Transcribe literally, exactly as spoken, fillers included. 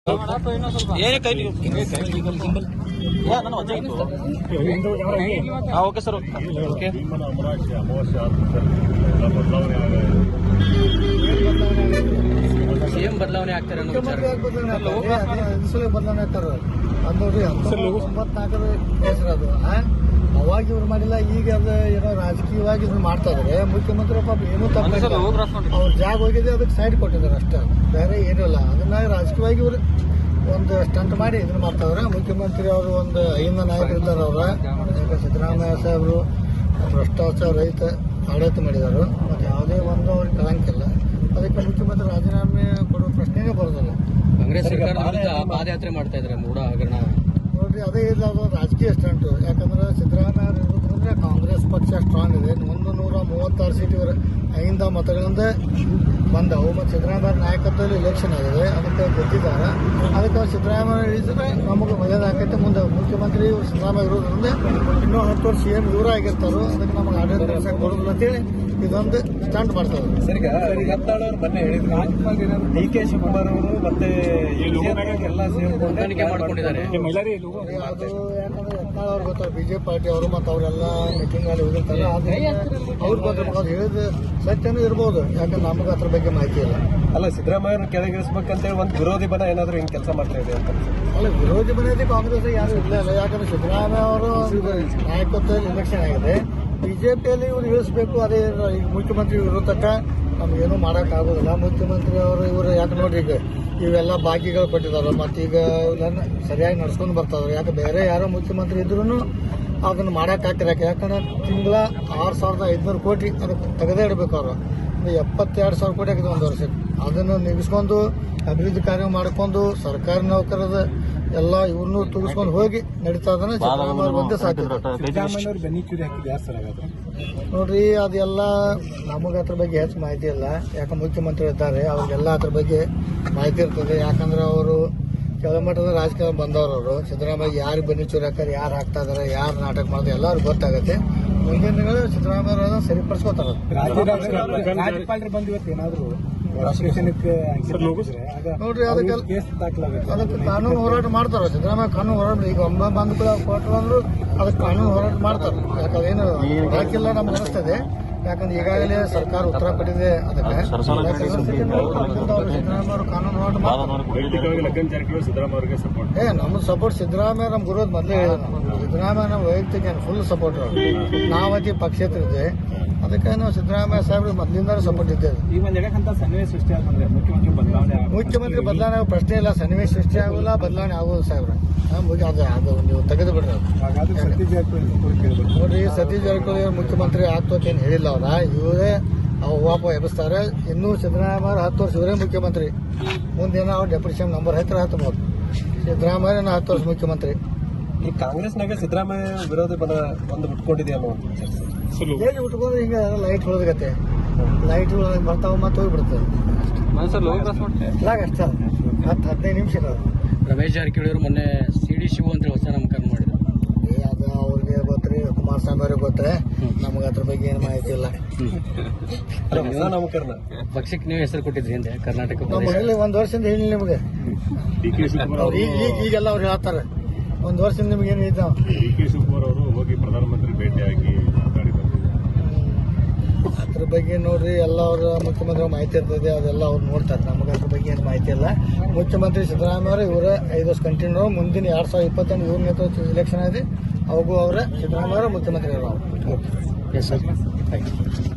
ಏನೇ ಕೈ ನನ್ನ ವಜೆ ಇತ್ತು. ಹಾಂ ಓಕೆ ಸರ್ ಓಕೆ. ಸಿಎಂ ಬದಲಾವಣೆ ಆಗ್ತಾರೆ ಅನ್ನೋ ವಿಚಾರ ಬದಲಾವಣೆ ಆಗ್ತಾರೆ ಅದು ನೋಡ್ರಿ ಒಂಬತ್ನಾಲ್ಕರ ಹೆಸರು ಅದು ಅವಾಗ ಇವ್ರು ಮಾಡಿಲ್ಲ. ಈಗ ಅದು ಏನೋ ರಾಜಕೀಯವಾಗಿ ಇದನ್ನ ಮಾಡ್ತಾ ಇದಾರೆ. ಮುಖ್ಯಮಂತ್ರಿ ಪಾಪ ಏನೂ ತಪ್ಪಿಲ್ಲ, ಅವ್ರ ಜಾಗ ಹೋಗಿದೆ ಅದಕ್ಕೆ ಸೈಡ್ ಕೊಟ್ಟಿದ್ದಾರೆ ಅಷ್ಟೇ, ಬೇರೆ ಏನೂ ಇಲ್ಲ. ಅದನ್ನ ರಾಜಕೀಯವಾಗಿ ಇವರು ಒಂದು ಸ್ಟಂಟ್ ಮಾಡಿ ಇದನ್ನ ಮಾಡ್ತಾ ಇದಾರೆ. ಮುಖ್ಯಮಂತ್ರಿ ಅವರು ಒಂದು ಐದು ನಾಯಕರು ಇದ್ದಾರೆ. ಅವರ ಸಿದ್ದರಾಮಯ್ಯ ಸಾಹೇಬರು ಭ್ರಷ್ಟಾಚಾರ ರಹಿತ ಆಡಳಿತ ಮಾಡಿದ್ದಾರೆ. ಮತ್ತು ಯಾವುದೇ ಒಂದು ಅವ್ರಿಗೆ ಕಳಂಕಿಲ್ಲ. ಅದಕ್ಕೆ ಮುಖ್ಯಮಂತ್ರಿ ರಾಜೀನಾಮೆ ಕೊಡುವ ಪ್ರಶ್ನೆನೇ ಬರೋದಿಲ್ಲ. ಕಾಂಗ್ರೆಸ್ ಸರ್ಕಾರದ ವಿರುದ್ಧ ಪಾದಯಾತ್ರೆ ಮಾಡ್ತಾ ಇದ್ದಾರೆ ಮೂಡ ಹಗರಣ ನೋಡ್ರಿ. ಅದೇ ಇಲ್ಲ, ಅದು ರಾಜಕೀಯ ಸ್ಟಂಟು. ಯಾಕಂದ್ರೆ ಸಿದ್ದರಾಮಯ್ಯ ಇರೋದ್ರಿಂದ ಕಾಂಗ್ರೆಸ್ ಪಕ್ಷ ಸ್ಟ್ರಾಂಗ್ ಇದೆ. ಒಂದು ನೂರ ಮೂವತ್ತಾರು ಸೀಟ್ ಇವರ ಐದು ಮತಗಳಿಂದ ಬಂದವು. ಮತ್ತು ಸಿದ್ದರಾಮಯ್ಯ ನಾಯಕತ್ವದಲ್ಲಿ ಎಲೆಕ್ಷನ್ ಆಗಿದೆ, ಅದಕ್ಕೆ ಗೆದ್ದಿದ್ದಾರೆ. ಅದಕ್ಕೆ ಸಿದ್ದರಾಮಯ್ಯ ಇಳಿಸಿದ್ರೆ ನಮಗೆ ಒಳ್ಳೇದಾಗೈತೆ. ಮುಂದೆ ಮುಖ್ಯಮಂತ್ರಿ ಇವರು ಸಿದ್ದರಾಮಯ್ಯ ಇರೋದ್ರಿಂದ ಇನ್ನೂ ಹತ್ತು ವರ್ಷ ಸಿ ಎಂ ಇವರ ಆಗಿರ್ತಾರೋ, ಅದಕ್ಕೆ ನಮಗೆ ಆಡಳಿತ ನಡೆಸಕ್ಕೆ ಬರೋದಿಲ್ಲ ಅಂತೇಳಿ ಇದೊಂದು ಸ್ಟಂಟ್ ಮಾಡ್ತಾರೆ. ಸರ್, ಈಗ ಯತ್ನಾಳ್ ಅವರು ಮೊನ್ನೆ ಹೇಳಿದ್ರು ಡಿ ಕೆ ಶಿವಕುಮಾರ್ ಅವರು ಮತ್ತೆ ಎಲ್ಲ ಸೇರ್ಕೊಂಡು ಮಾಡ್ಕೊಂಡಿದ್ದಾರೆ. ಅದು ಯಾಕಂದ್ರೆ ಯತ್ನಾಳ್ ಅವ್ರು ಗೊತ್ತಾರ ಬಿಜೆಪಿ ಪಾರ್ಟಿ ಅವರು, ಮತ್ತು ಅವರೆಲ್ಲ ಮೀಟಿಂಗ್ ಅಲ್ಲಿ ಹೋಗಿರ್ತಾರೆ. ಆದ್ರೆ ಅವ್ರ ಬಗ್ಗೆ ಅವ್ರು ಹೇಳಿದ ಸತ್ಯನೂ ಇರ್ಬೋದು, ಯಾಕಂದ್ರೆ ನಮಗೆ ಅದ್ರ ಬಗ್ಗೆ ಮಾಹಿತಿ ಇಲ್ಲ. ಅಲ್ಲ, ಸಿದ್ದರಾಮಯ್ಯ ಕೆಳಗಿಳಿಸ್ಬೇಕಂತೇಳಿ ಒಂದು ವಿರೋಧಿ ಬಣ ಏನಾದ್ರು ಹಿಂಗೆ ಕೆಲಸ ಮಾಡ್ತಾ ಇದೆ ಅಂತ. ಅಲ್ಲ, ವಿರೋಧಿ ಬಣದಲ್ಲಿ ಕಾಂಗ್ರೆಸ್ ಯಾರು ಇಲ್ಲ ಇಲ್ಲ. ಯಾಕಂದ್ರೆ ಸಿದ್ದರಾಮಯ್ಯ ಅವರು ನಾಯಕತ್ವದಲ್ಲಿ ಎಲೆಕ್ಷನ್ ಆಗಿದೆ. ಬಿಜೆಪಿಯಲ್ಲಿ ಇವ್ರು ಇಳಿಸ್ಬೇಕು. ಅದೇ ಈಗ ಮುಖ್ಯಮಂತ್ರಿ ಇರೋ ತಕ್ಕ ನಮ್ಗೇನು ಮಾಡೋಕ್ಕಾಗೋದಿಲ್ಲ. ಮುಖ್ಯಮಂತ್ರಿ ಅವರು ಇವರು ಯಾಕೆ ನೋಡ್ರಿ, ಈಗ ಇವೆಲ್ಲ ಬಾಕಿಗಳು ಕೊಟ್ಟಿದ್ದಾರೆ, ಮತ್ತು ಈಗ ಇವನ್ನ ಸರಿಯಾಗಿ ನಡ್ಸ್ಕೊಂಡು ಬರ್ತಾವ್ರೆ. ಯಾಕೆ ಬೇರೆ ಯಾರೋ ಮುಖ್ಯಮಂತ್ರಿ ಇದ್ರೂ ಅದನ್ನು ಮಾಡೋಕ್ಕಾಗ್ತಿರ. ಯಾಕಂದ್ರೆ ತಿಂಗಳ ಆರು ಸಾವಿರದ ಐದುನೂರು ಕೋಟಿ ಅದಕ್ಕೆ ತೆಗೆದೇ ಇಡಬೇಕು. ಅವರು ಎಪ್ಪತ್ತೆರಡು ಸಾವಿರ ಕೋಟಿ ಆಗಿದೆ ಒಂದು ವರ್ಷಕ್ಕೆ. ಅದನ್ನು ನಿಗಿಸ್ಕೊಂಡು ಅಭಿವೃದ್ಧಿ ಕಾರ್ಯ ಮಾಡ್ಕೊಂಡು ಸರ್ಕಾರಿ ನೌಕರದ ಎಲ್ಲ ಇವ್ರನ್ನೂ ತುಗಿಸ್ಕೊಂಡು ಹೋಗಿ ನಡೀತಾ ಇದ್ದಾನೆ. ಸಿದ್ದರಾಮಯ್ಯ ಒಂದೇ ಸಾಧ್ಯ ನೋಡ್ರಿ. ಅದೆಲ್ಲ ನಮಗೆ ಅದ್ರ ಬಗ್ಗೆ ಹೆಚ್ಚು ಮಾಹಿತಿ ಇಲ್ಲ. ಯಾಕೆ ಮುಖ್ಯಮಂತ್ರಿ ಇದ್ದಾರೆ, ಅವ್ರಿಗೆಲ್ಲ ಅದ್ರ ಬಗ್ಗೆ ಮಾಹಿತಿ ಇರ್ತದೆ. ಯಾಕಂದ್ರೆ ಅವರು ಕೆಳಮಟ್ಟದ ರಾಜಕಾರಣ ಬಂದವರು. ಅವರು ಸಿದ್ದರಾಮಯ್ಯ ಯಾರು ಬನ್ನಿ ಚೂರಿ ಹಾಕ್ತಾರೆ, ಯಾರು ಹಾಕ್ತಾ ಇದಾರೆ, ಯಾರು ನಾಟಕ ಮಾಡಿದ್ರೆ ಎಲ್ಲರಿಗೂ ಗೊತ್ತಾಗುತ್ತೆ. ಮುಂದಿನ ದಿನಗಳು ಸಿದ್ದರಾಮಯ್ಯ ಸರಿಪಡಿಸ್ಕೋತಾರೆ. ನೋಡ್ರಿ, ಅದಕ್ಕೆ ಅದಕ್ಕೆ ಕಾನೂನು ಹೋರಾಟ ಮಾಡ್ತಾರ. ಸಿದ್ದರಾಮಯ್ಯ ಕಾನೂನು ಹೋರಾಟ ಈಗ ಒಮ್ಮೆ ಬಂದು ಕೊಟ್ಟರು ಅಂದ್ರು ಅದಕ್ಕೆ ಕಾನೂನು ಹೋರಾಟ ಮಾಡ್ತಾರೆ. ಯಾಕಂದ್ರೆ ಏನು ಹಾಕಿಲ್ಲ ನಮ್ಗೆ ಅನಿಸ್ತದೆ. ಯಾಕಂದ್ರೆ ಈಗಾಗಲೇ ಸರ್ಕಾರ ಉತ್ತರ ಕೊಟ್ಟಿದೆ. ಅದಕ್ಕೆ ಸಿದ್ದರಾಮಯ್ಯ ಅವರು ಕಾನೂನು ಹೋರಾಟ ಮಾಡ್ತಾರೆ. ಏ ನಮ್ದು ಸಪೋರ್ಟ್ ಸಿದ್ದರಾಮಯ್ಯ ನಮ್ಗೆ ಗುರುದ್ ಮೊದಲೇ ಹೇಳಿದ್ರು. ಸಿದ್ದರಾಮಯ್ಯ ನಮ್ಮ ವೈಯಕ್ತಿಕ ಫುಲ್ ಸಪೋರ್ಟ್. ನಾವತಿ ಪಕ್ಷೇತರ ಇದೆ, ಅದಕ್ಕೆ ನಾವು ಸಿದ್ದರಾಮಯ್ಯ ಸಾಹೇಬ್ರಿಗೆ ಮೊದಲಿಂದ ಸಪೋರ್ಟ್ ಇದ್ದೇವೆ. ಈ ಒಂದು ಎಡಕ್ಕಂತ ಸನ್ನಿವೇಶ ಸೃಷ್ಟಿ ಆಗ್ತಂದ್ರೆ ಮುಖ್ಯಮಂತ್ರಿ ಬದಲಾವಣೆ ಮುಖ್ಯಮಂತ್ರಿ ಬದಲಾವಣೆ ಆಗೋ ಪ್ರಶ್ನೆ ಇಲ್ಲ. ಸನ್ನಿವೇಶ ಸೃಷ್ಟಿ ಆಗೋಲ್ಲ, ಬದಲಾವಣೆ ಆಗೋದು ಸಾಹೇಬ್ರೆ. ಮುಗಿ ಅದು ಅದು ನೀವು ತೆಗೆದು ಬಿಡ್ರಿ. ನೋಡ್ರಿ, ಸತೀಶ್ ಜಾರಕಿಹೊಳಿ ಮುಖ್ಯಮಂತ್ರಿ ಆಗ್ತೋತೇನು ಹೇಳಿಲ್ಲ. ಅವ್ರ ಇವರೇ ಅವು ವಾಪ ಎಬ್ಬಿಸ್ತಾರೆ. ಇನ್ನೂ ಸಿದ್ದರಾಮಯ್ಯ ಹತ್ತು ವರ್ಷ ಇವರೇ ಮುಖ್ಯಮಂತ್ರಿ. ಮುಂದೇನೋ ಅವ್ರು ಡೆಪ್ಯೂಟಿ ಸಿ ಎಂ ನಂಬರ್ ಹತ್ತಿರ ಹತ್ತಬಹುದು. ಸಿದ್ದರಾಮಯ್ಯ ಹತ್ತು ವರ್ಷ ಮುಖ್ಯಮಂತ್ರಿ. ಈ ಕಾಂಗ್ರೆಸ್ನಾಗ ಸಿದ್ದರಾಮಯ್ಯ ವಿರೋಧಿ ಬಲ ಒಂದು ಉಟ್ಕೊಂಡಿದೆ ಅನ್ನೋ ಹೇಗೆ ಉಟ್ಕೊಂಡ್ರೆ ಹಿಂಗ ಲೈಟ್ ಹೊಳದಗತ್ತೆ. ಲೈಟ್ ಬರ್ತಾವ ಮತ್ತೆ ಹೋಗ್ಬಿಡ್ತದೆ. ಅಷ್ಟ ಹತ್ತು ಹದಿನೈದು ನಿಮಿಷ ಇರೋದು. ರಮೇಶ್ ಜಾರಕಿಹೊಳಿ ಅವರು ಮೊನ್ನೆ ಸಿ ಡಿ ಶಿವು ಅಂತ ಹೊಸ ನಾಮಕರಣ ಮಾಡಿದ್ರು. ಅದು ಅವ್ರಿಗೆ ಗೊತ್ತ್ರಿ, ಕುಮಾರಸ್ವಾಮಿ ಅವ್ರಿಗೆ ಗೊತ್ತರೆ. ನಮ್ಗೆ ಅದ್ರ ಬಗ್ಗೆ ಏನು ಮಾಹಿತಿ ಇಲ್ಲ. ನಾಮಕರಣ ಪಕ್ಷಕ್ಕೆ ನೀವು ಹೆಸರು ಕೊಟ್ಟಿದ್ರಿ ಹಿಂದೆ ಕರ್ನಾಟಕ ನಮ್ಮಲ್ಲಿ ಒಂದು ವರ್ಷದಿಂದ ಹೇಳಿ ನಿಮಗೆ. ಈಗೆಲ್ಲ ಅವ್ರು ಹೇಳ್ತಾರೆ ಒಂದು ವರ್ಷದಿಂದ ನಿಮ್ಗೆ ಏನು ಇದ್ದಾವ. ಡಿ ಕೆ ಶಿವಕುಮಾರ್ ಅವರು ಹೋಗಿ ಪ್ರಧಾನಮಂತ್ರಿ ಭೇಟಿಯಾಗಿ ಮಾತಾಡಿ ಅದ್ರ ಬಗ್ಗೆ ನೋಡ್ರಿ, ಎಲ್ಲ ಅವ್ರ ಮುಖ್ಯಮಂತ್ರಿ ಮಾಹಿತಿ ಇರ್ತದೆ. ಅದೆಲ್ಲ ಅವ್ರು ನೋಡ್ತಾರೆ. ನಮಗೆ ಅದ್ರ ಬಗ್ಗೆ ಏನು ಮಾಹಿತಿ ಇಲ್ಲ. ಮುಖ್ಯಮಂತ್ರಿ ಸಿದ್ದರಾಮಯ್ಯ ಅವರು ಇವರೇ ಐದು ವರ್ಷ ಕಂಟಿನ್ಯೂ. ಮುಂದಿನ ಎರಡ್ ಸಾವಿರದ ಇಪ್ಪತ್ತೆಂಟು ಇವ್ರ ನೇತೃತ್ವ ಎಲೆಕ್ಷನ್ ಆಗಿದೆ, ಅವಾಗೂ ಅವರೇ ಸಿದ್ದರಾಮಯ್ಯ ಮುಖ್ಯಮಂತ್ರಿ ಅವರು. Yes sir.